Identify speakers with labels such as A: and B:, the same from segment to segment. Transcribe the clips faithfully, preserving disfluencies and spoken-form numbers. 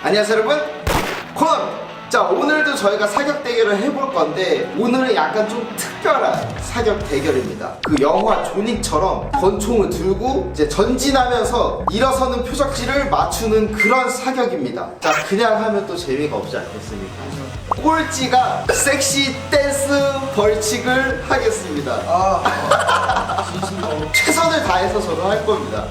A: 안녕하세요 여러분, 콘! 자, 오늘도 저희가 사격 대결을 해볼 건데 오늘은 약간 좀 특별한 사격 대결입니다. 그 영화 조닉처럼 권총을 들고 이제 전진하면서 일어서는 표적지를 맞추는 그런 사격입니다. 자, 그냥 하면 또 재미가 없지 않겠습니까? 꼴찌가 섹시 댄스 벌칙을 하겠습니다.
B: 아,
A: 최선을 다해서 저도 할 겁니다.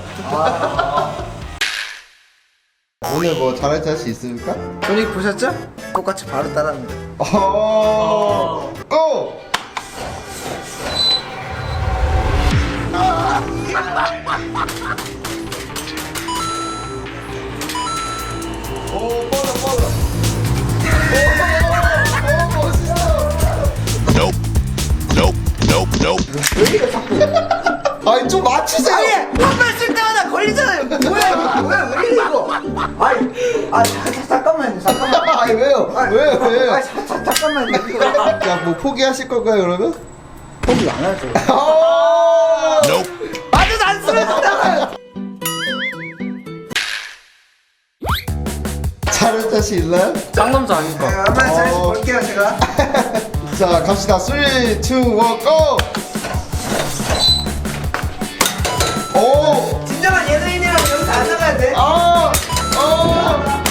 A: 오늘 뭐 잘할지 할 수 있습니까?
B: 조닉 보셨죠? 똑같이 바로 따라합니다.
A: 어, 고! 오, 빨라, 빨라. 오, 오, 멋있어.
C: Nope. Nope. Nope. Nope.
A: 왜 이래, 자꾸. 아니, 좀 맞추세요.
B: 아니, 한발 쓸 때마다 걸리잖아요. 뭐야, 이거? 뭐야, 왜 이래, 이거? 아니, 아, 자, 자, 잠깐만요, 잠깐만.
A: 아니, 왜요?
B: 아니,
A: 왜요, 왜요?
B: 아, 자, 자, 잠깐만요, 이거.
A: 야, 뭐 포기하실 건가요, 그러면?
B: 포기 안 하죠.
A: 오!
C: Nope.
B: 아주 단순했다.
A: 잘할 자신 있나요?
D: 쌍남자 아닌가?
B: 네, 한번 잘
A: 어.
B: 볼게요, 제가.
A: 자, 갑시다. 삼, 이, 일, 고! 오!
B: 진정한 예능인이라면 여기서 안 나가야 돼.
A: 아! 어!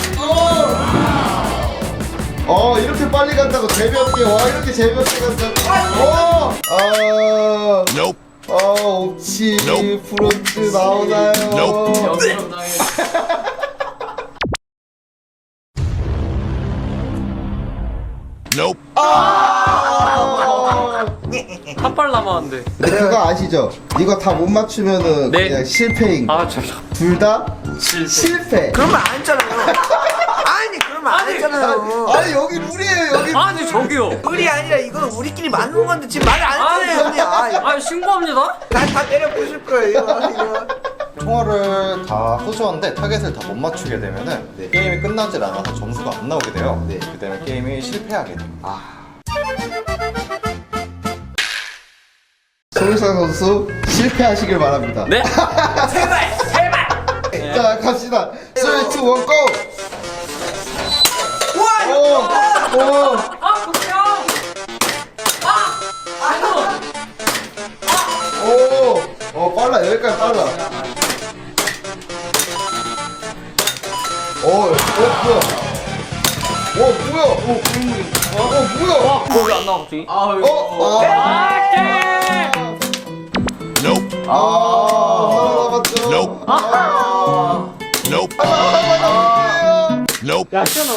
A: 어! 어, 이렇게 빨리 간다고 재미없게. 와, 이렇게 재미없게 간다고. 어! 아!
C: Nope.
A: 어, 옥치,
C: Nope.
A: 프론트 나오나요?
C: Nope.
D: 영상당해.
C: Nope.
A: 아!
D: 한발 남았는데.
A: 근데 그거 아시죠? 이거 다 못 맞추면은
D: 네.
A: 그냥 실패인 거.
D: 아, 저,
A: 둘 다
D: 실패.
A: 실패.
B: 그러면 안 했잖아요. 아니, 그러면 안
D: 아니,
B: 했잖아요.
A: 아니, 여기 룰이에요, 여기.
D: 아니, 저기요.
B: 우리 아니라 이거는 우리끼리 맞는 건데 지금 말을 안 했잖아요, 형님. 아,
D: 아니, 신고합니다.
B: 난다 때려 부실 거예요, 이거. 이거.
E: 총알을 다 쏘셨는데 타겟을 다 못 맞추게 되면은 네, 게임이 끝나질 않아서 점수가 안 나오게 돼요. 네, 그 때문에 게임이 실패하게 됩니다.
A: 송일상 선수 실패하시길 바랍니다.
D: 네? 제발, 제발.
A: 자, 갑시다. 삼, 이, 일, 고!
B: 우와,
A: 오! 오!
D: 아, 보세요. 아,
A: 오! 어, 빨라. 여기까지 빨라. 오, 어, 뭐야? 오, 뭐야? 오, 어, 뭐야?
D: 거기 안 나와, 갑자기. 아, 이거.
A: 어, 아,
D: 아, 개.
C: Nope.
A: 아, 하나 남았죠?
C: Nope.
A: 아,
C: Nope.
A: 하나 남았어요.
C: Nope.
D: 야, 시원하.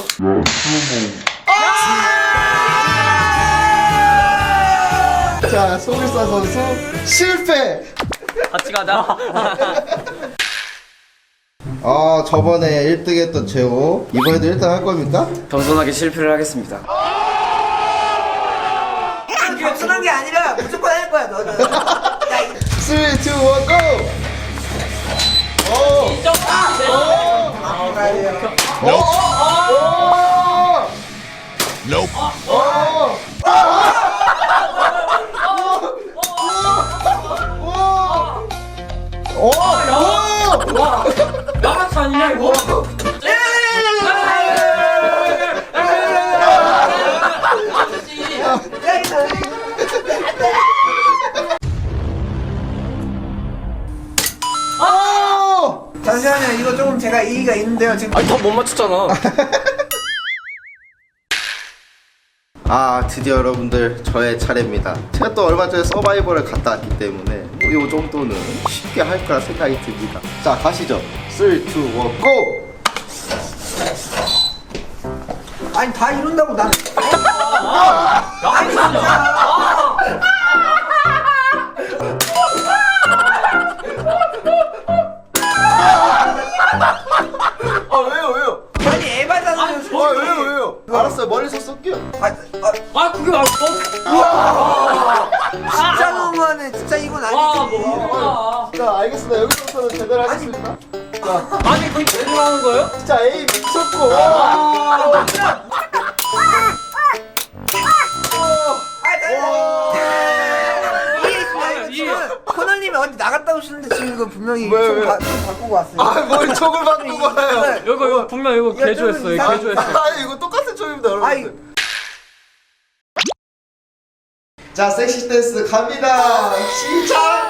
A: 자, 송일상 선수 실패.
D: 같이 가자.
A: 아, 저번에 일 등 했던 재호 이번에도 일 등 할 겁니까?
D: 겸손하게 실패를 하겠습니다.
B: 겸손한 게 아니라 무조건 할 거야, 너는. 야, 이
A: 삼, 이, 일, 고! 오!
D: 인정. 아,
B: 아, 가야 돼요.
C: Nope.
A: 오!
C: Nope.
A: 오! 오! 오!
D: 와, 나같이 아니냐, 이거?
B: 야, 이거.
A: 오!
B: 잠시만요, 이거 조금 제가 이의가 있는데요. 지금
D: 아니, 다 못 맞췄잖아.
A: 아, 드디어 여러분들 저의 차례입니다. 제가 또 얼마 전에 서바이벌을 갔다 왔기 때문에 뭐이 정도는 쉽게 할 거라 생각이 듭니다. 자, 가시죠. 삼, 이, 일, 고!
B: 아니 다 이룬다고 난.
D: 아니, 진짜.
A: 아, 왜요, 왜요?
B: 아니 에바잖아요.
D: 아니,
A: 아, 왜요, 왜요? 알았어요. 멀리서 쏠게요.
B: 아, 아,
D: 아, 그게 아, 어?
B: 진짜 너무하네. 진짜 이건
D: 와,
B: 아니지.
D: 뭐야.
A: 자, 알겠습니다. 여기서부터는 제대로 하겠습니다. 자,
D: 아니, 그게 제대로 하는 거예요?
A: 진짜 에임 미쳤고.
D: 아,
B: 아, 나.
D: 와.
B: 이해 있습니다. 지금 코너님이 어디 나가? 나갔다 오시는데 지금 이거 분명히
A: 왜,
B: 좀,
A: 왜?
B: 바, 좀 바꾸고 왔어요.
A: 아뭘 촉을 바꾸고 와요.
D: 이거 이거 분명 이거
B: 이거
D: 개조했어.
B: 좀
D: 이거
B: 이상-
D: 개조했어.
A: 아 이거 똑같은 촉입니다 여러분.
B: 아이
A: 자 섹시 댄스 갑니다. 시작.